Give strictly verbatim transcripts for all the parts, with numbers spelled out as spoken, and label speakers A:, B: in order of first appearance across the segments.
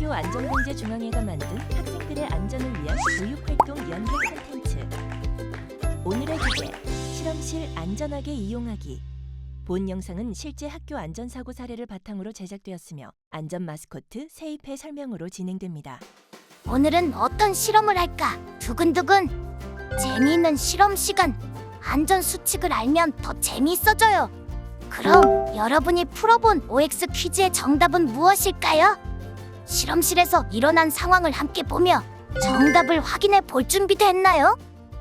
A: 학교안전공제중앙회가 만든 학생들의 안전을 위한 교육활동 연계 콘텐츠. 오늘의 주제, 실험실 안전하게 이용하기. 본 영상은 실제 학교 안전사고 사례를 바탕으로 제작되었으며 안전 마스코트 세이페 설명으로 진행됩니다.
B: 오늘은 어떤 실험을 할까? 두근두근. 재미있는 실험 시간. 안전 수칙을 알면 더 재미있어져요. 그럼 여러분이 풀어본 오엑스 퀴즈의 정답은 무엇일까요? 실험실에서 일어난 상황을 함께 보며 정답을 확인해 볼 준비도 했나요?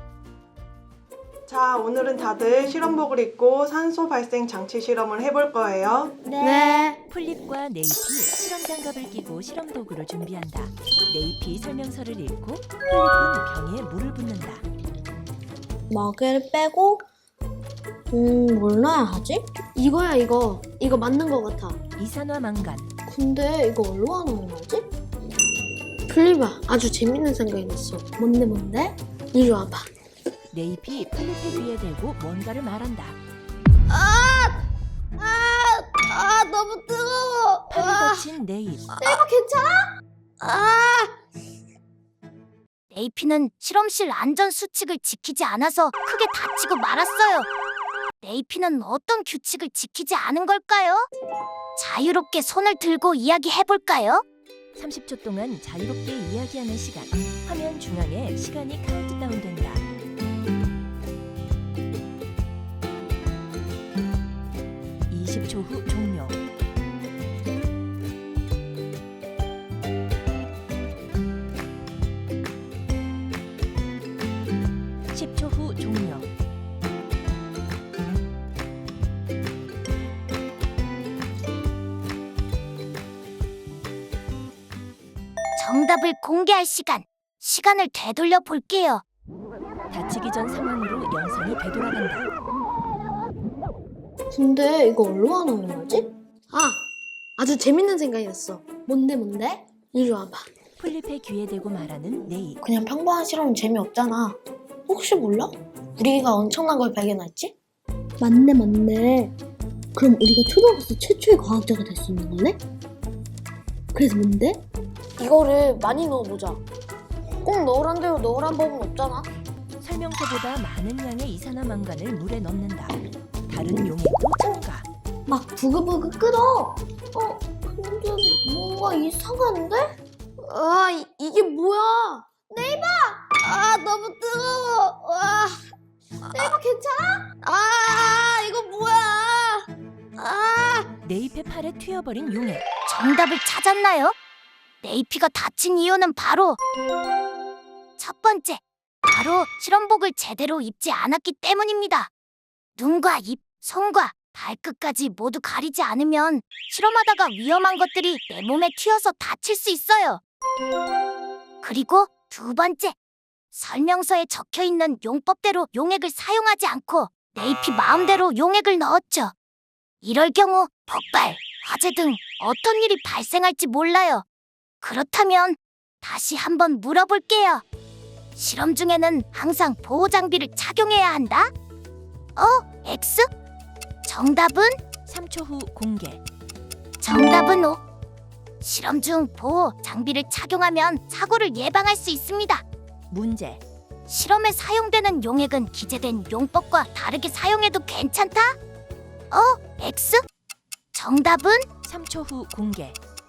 C: 자, 오늘은 다들 실험복을 입고 산소 발생 장치 실험을 해볼 거예요.
B: 네.
A: 플립과 네이피 실험 장갑을 끼고 실험 도구를 준비한다. 네이피 설명서를 읽고 플립은 병에 물을 붓는다.
D: 먹을 빼고 음, 뭘 넣어야 하지?
E: 이거야 이거 이거 맞는 거 같아.
A: 이산화망간,
D: 근데 이거 얼마나 넣어야지?
E: 플리바 아주 재밌는 생각이 났어.
D: 뭔데 뭔데?
E: 이리 와봐.
A: 네이피 플립의 귀에 대고 뭔가를 말한다.
D: 아, 아 너무 뜨거워.
A: 팔이 다친 네잎,
D: 이거 괜찮아? 아,
B: 네이피는 실험실 안전 수칙을 지키지 않아서 크게 다치고 말았어요. 네이피는 어떤 규칙을 지키지 않은 걸까요? 자유롭게 손을 들고 이야기해볼까요?
A: 삼십 초 동안 자유롭게 이야기하는 시간. 화면 중앙에 시간이 카운트다운 된다. 이십 초 후 종료. 십 초 후 종료.
B: 정답을 공개할 시간. 시간을 되돌려 볼게요.
A: 다치기 전 상황으로 영상이 되돌아간다.
D: 근데 이거 얼마나 넣어야지?
E: 아 아주 재밌는 생각이 났어.
D: 뭔데 뭔데?
E: 이리 와봐.
A: 플립의 귀에 대고 말하는 네잎.
D: 그냥 평범한 실험은 재미없잖아. 혹시 몰라? 우리가 엄청난 걸 발견했지?
E: 맞네 맞네. 그럼 우리가 초등학교 최초의 과학자가 될 수 있는 거네? 그래서 뭔데?
D: 이거를 많이 넣어보자. 꼭 넣으란 대로 넣으란 법은 없잖아.
A: 설명서보다 많은 양의 이산화망간을 물에 넣는다. 다른 용액도 첨가.
D: 막 부글부글 끓어. 어, 근데 뭔가 이상한데?
E: 아 이, 이게 뭐야?
D: 아, 너무 뜨거워. 와, 네이버 괜찮아? 아, 이거 뭐야? 아,
A: 네잎의 팔에 튀어버린 용액.
B: 정답을 찾았나요? 네이피가 다친 이유는 바로 첫 번째, 바로 실험복을 제대로 입지 않았기 때문입니다. 눈과 입, 손과 발끝까지 모두 가리지 않으면 실험하다가 위험한 것들이 내 몸에 튀어서 다칠 수 있어요. 그리고 두 번째, 설명서에 적혀있는 용법대로 용액을 사용하지 않고 네이피 마음대로 용액을 넣었죠. 이럴 경우 폭발, 화재 등 어떤 일이 발생할지 몰라요. 그렇다면 다시 한번 물어볼게요. 실험 중에는 항상 보호 장비를 착용해야 한다? 어? X? 정답은?
A: 삼 초 후 공개.
B: 정답은 O. 실험 중 보호 장비를 착용하면 사고를 예방할 수 있습니다.
A: 문제.
B: 실험에 사용되는 용액은 기재된 용법과 다르게 사용해도 괜찮다? 어? X? 정답은?
A: 삼 초 후 공개.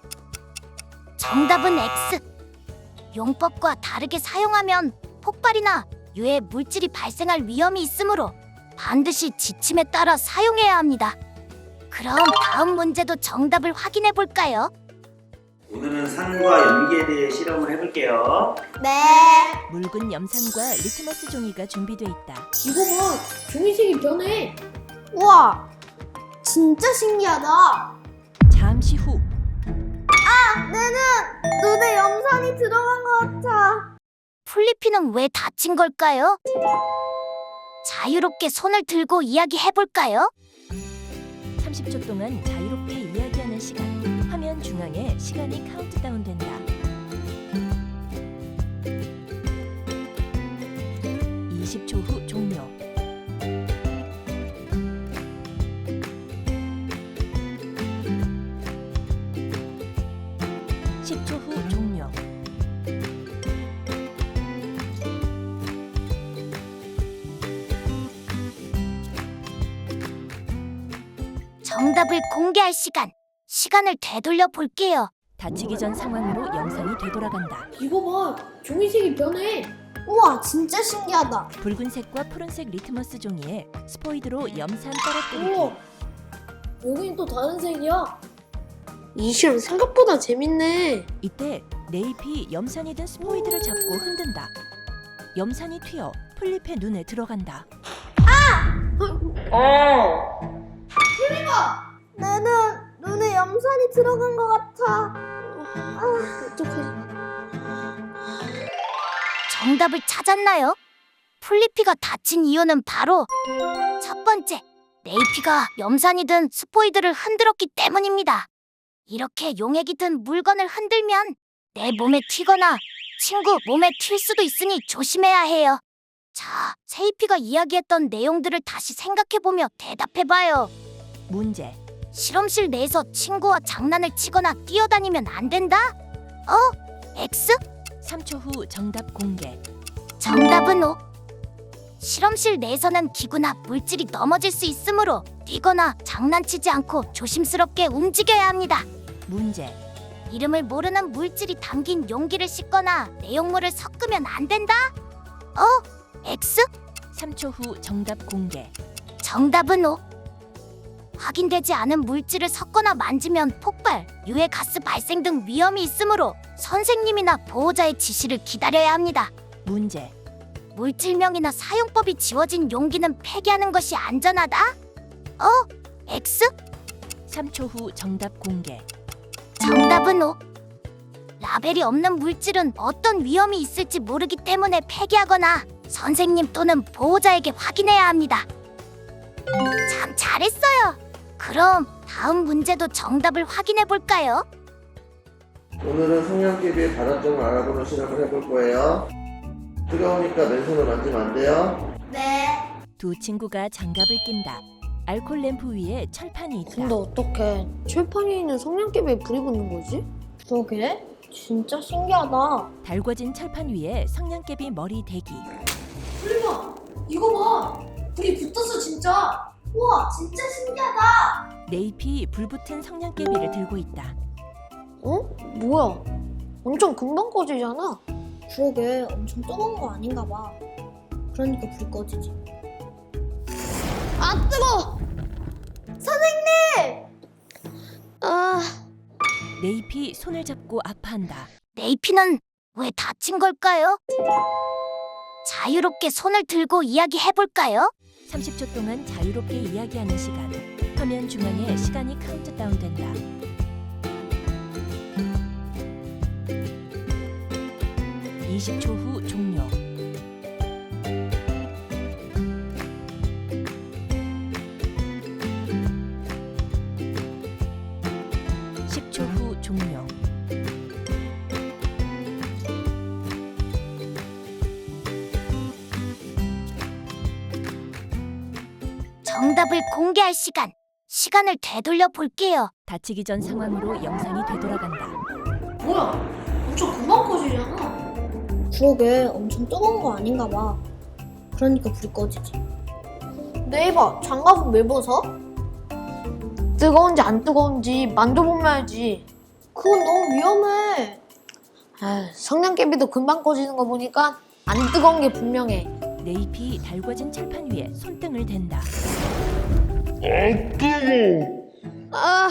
B: 정답은 X. 용법과 다르게 사용하면 폭발이나 유해 물질이 발생할 위험이 있으므로 반드시 지침에 따라 사용해야 합니다. 그럼 다음 문제도 정답을 확인해 볼까요?
F: 오늘은 산과 연기에 대해 실험을 해볼게요.
D: 네.
A: 묽은 염산과 리트머스 종이가 준비돼 있다.
E: 이거 봐 종이색이 변해.
D: 우와, 진짜 신기하다.
A: 잠시 후.
D: 눈에 염산이 들어간 것 같아.
B: 플리피는 왜 다친 걸까요? 자유롭게 손을 들고 이야기해 볼까요?
A: 삼십 초 동안 자유롭게 이야기하는 시간. 화면 중앙에 시간이 카운트다운 된다. 이십 초 후 종료. 십 초 후 종료.
B: 정답을 공개할 시간. 시간을 되돌려 볼게요.
A: 다치기 전 상황으로 영상이 되돌아간다.
D: 이거 봐, 종이색이 변해.
E: 우와, 진짜 신기하다.
A: 붉은색과 푸른색 리트머스 종이에 스포이드로 염산 떨어뜨리기.
D: 우와, 여긴 또 다른 색이야. 이 실험 생각보다 재밌네.
A: 이때 네잎이 염산이 든 스포이드를 잡고 흔든다. 염산이 튀어 플립의 눈에 들어간다.
E: 내 눈, 눈에 염산이 들어간 것 같아.
D: 어떡하지?
B: 정답을 찾았나요? 플리피가 다친 이유는 바로 첫 번째, 네이피가 염산이 든 스포이드를 흔들었기 때문입니다. 이렇게 용액이 든 물건을 흔들면 내 몸에 튀거나 친구 몸에 튈 수도 있으니 조심해야 해요. 자, 세이피가 이야기했던 내용들을 다시 생각해보며 대답해봐요.
A: 문제.
B: 실험실 내에서 친구와 장난을 치거나 뛰어다니면 안 된다? 어? X?
A: 삼 초 후 정답 공개.
B: 정답은 O. 실험실 내에서는 기구나 물질이 넘어질 수 있으므로 뛰거나 장난치지 않고 조심스럽게 움직여야 합니다.
A: 문제.
B: 이름을 모르는 물질이 담긴 용기를 씻거나 내용물을 섞으면 안 된다? 어? X?
A: 삼 초 후 정답 공개.
B: 정답은 O. 확인되지 않은 물질을 섞거나 만지면 폭발, 유해 가스 발생 등 위험이 있으므로 선생님이나 보호자의 지시를 기다려야 합니다.
A: 문제.
B: 물질명이나 사용법이 지워진 용기는 폐기하는 것이 안전하다? 어? X?
A: 삼 초 후 정답 공개.
B: 정답은 O. 라벨이 없는 물질은 어떤 위험이 있을지 모르기 때문에 폐기하거나 선생님 또는 보호자에게 확인해야 합니다. 참 잘했어요. 그럼 다음 문제도 정답을 확인해 볼까요?
G: 오늘은 성냥개비의 발화점을 알아보는 실험을 해볼 거예요. 뜨거우니까 맨손을 만지면 안 돼요.
A: 두 친구가 장갑을 낀다. 알콜 램프 위에 철판이 있다.
D: 근데 어떻게 철판이 있는 성냥개비에 불이 붙는 거지?
E: 그러게, 진짜 신기하다.
A: 달궈진 철판 위에 성냥개비 머리 대기.
D: 설마 이거 봐, 불이 붙었어 진짜.
E: 우와, 진짜 신기하다.
A: 네잎이 불붙은 성냥개비를 들고 있다.
D: 어? 뭐야? 엄청 금방 꺼지잖아.
E: 그러게, 엄청 뜨거운 거 아닌가 봐. 그러니까 불 꺼지지. 아, 뜨거워!
D: 아,
A: 네잎이 손을 잡고 아파한다.
B: 네이피는 왜 다친 걸까요? 자유롭게 손을 들고 이야기해 볼까요?
A: 삼십 초 동안 자유롭게 이야기하는 시간. 화면 중앙에 시간이 카운트다운 된다. 이십 초 후 종료. 십 초 후 종료.
B: 정답을 공개할 시간. 시간을 되돌려 볼게요.
A: 다치기 전 상황으로 영상이 되돌아간다.
D: 뭐야? 엄청 금방 꺼지잖아.
E: 그러게, 엄청 뜨거운 거 아닌가 봐. 그러니까 불 꺼지지.
D: 네이버 장갑은 왜 벗어? 뜨거운지 안 뜨거운지 만져보면 알지.
E: 그건 너무 위험해.
D: 아, 성냥개비도 금방 꺼지는 거 보니까 안 뜨거운 게 분명해.
A: 네잎이 달궈진 철판 위에 손등을 댄다.
D: 아,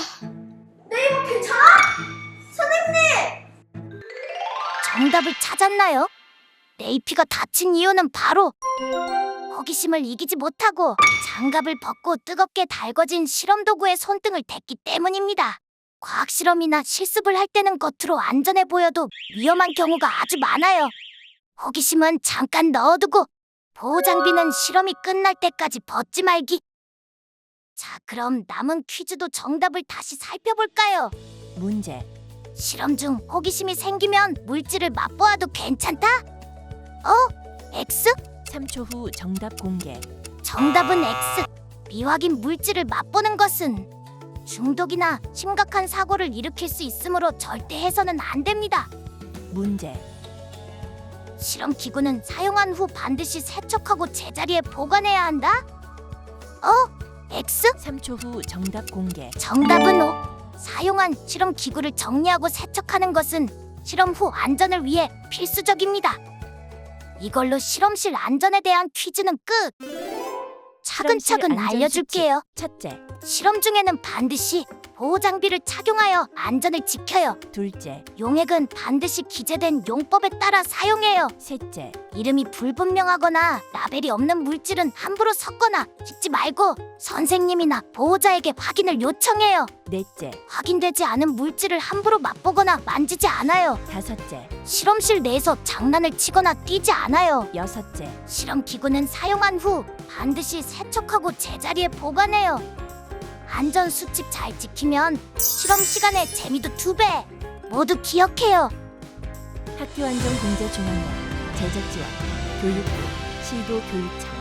B: 정답을 찾았나요? 네이피가 다친 이유는 바로 호기심을 이기지 못하고 장갑을 벗고 뜨겁게 달궈진 실험 도구에 손등을 댔기 때문입니다. 과학 실험이나 실습을 할 때는 겉으로 안전해 보여도 위험한 경우가 아주 많아요. 호기심은 잠깐 넣어두고 보호 장비는 실험이 끝날 때까지 벗지 말기. 자, 그럼 남은 퀴즈도 정답을 다시 살펴볼까요?
A: 문제.
B: 실험 중 호기심이 생기면 물질을 맛보아도 괜찮다? 어? X?
A: 삼 초 후 정답 공개.
B: 정답은 X. 미확인 물질을 맛보는 것은 중독이나 심각한 사고를 일으킬 수 있으므로 절대 해서는 안 됩니다.
A: 문제.
B: 실험 기구는 사용한 후 반드시 세척하고 제자리에 보관해야 한다? 어? X?
A: 삼 초 후 정답 공개.
B: 정답은 O. 사용한 실험 기구를 정리하고 세척하는 것은 실험 후 안전을 위해 필수적입니다. 이걸로 실험실 안전에 대한 퀴즈는 끝. 차근차근
A: 실험실 안전
B: 알려줄게요.
A: 첫째,
B: 실험 중에는 반드시 보호 장비를 착용하여 안전을 지켜요.
A: 둘째,
B: 용액은 반드시 기재된 용법에 따라 사용해요.
A: 셋째,
B: 이름이 불분명하거나 라벨이 없는 물질은 함부로 섞거나 씻지 말고 선생님이나 보호자에게 확인을 요청해요.
A: 넷째,
B: 확인되지 않은 물질을 함부로 맛보거나 만지지 않아요.
A: 다섯째,
B: 실험실 내에서 장난을 치거나 뛰지 않아요.
A: 여섯째,
B: 실험 기구는 사용한 후 반드시 세척하고 제자리에 보관해요. 안전 수칙 잘 지키면 실험 시간에 재미도 두 배. 모두 기억해요.
A: 학교안전공제중앙회 제작지원 교육부 시도교육청